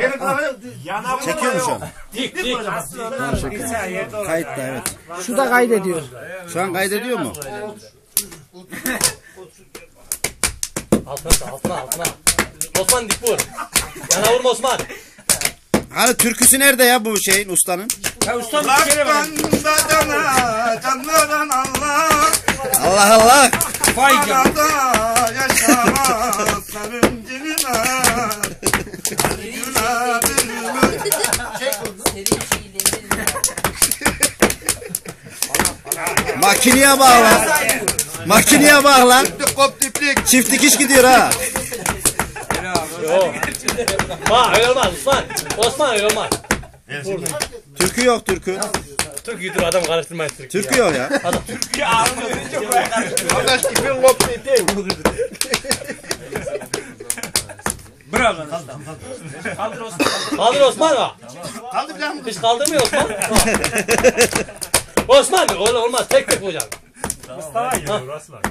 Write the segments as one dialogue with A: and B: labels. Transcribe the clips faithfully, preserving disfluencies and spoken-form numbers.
A: Çekiyor mu şu an?
B: Dik dik.
A: Kayıtta evet.
C: Şu da kaydediyor.
A: Şu an kaydediyor mu?
B: Altına altına altına. Osman dik vur. Yana vurma Osman.
A: Hani türküsü nerede ya bu şeyin ustanın?
C: Ya ustam bir kere var.
A: Allah Allah.
C: Vay canım.
A: Makineye bak lan. Makineye bak lan. Çift dikiş gidiyor ha.
B: Yok. Bak öyle olmaz Osman. Osman öyle olmaz.
A: Türkü yok türkü.
B: Türküydür adam karıştırmayın Türkü.
A: Türkü yok ya.
D: Türkiye ağrını çok karıştırıyor. Arkadaş ipin koptu ipin.
C: Bravo.
B: Kaldır Osman. Kaldır Osman bak.
D: Kaldı bir daha mı?
B: Hiç kaldırmıyor Osman. Osman öyle olmaz tek tek hocam.
E: Mustafa geliyor Osman.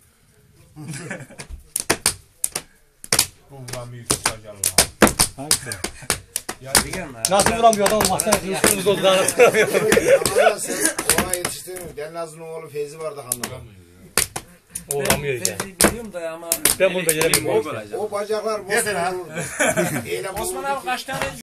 E: Bundan büyük çıkacak Allah.
B: Nasıl vuramıyor adam mahzene kılıçlarımız oldu daha nasıl vuramıyor.
F: Ama sen ona yetiştirmiyorsun. Denazlı'nın oğlu Feyzi vardı hanımda.
B: O vuramıyor işte.
C: Biliyorum da ama.
B: Ben bunu beceremiyorum.
F: O bacaklar boş.
D: Yeter ha.
F: Osman abi kaç tane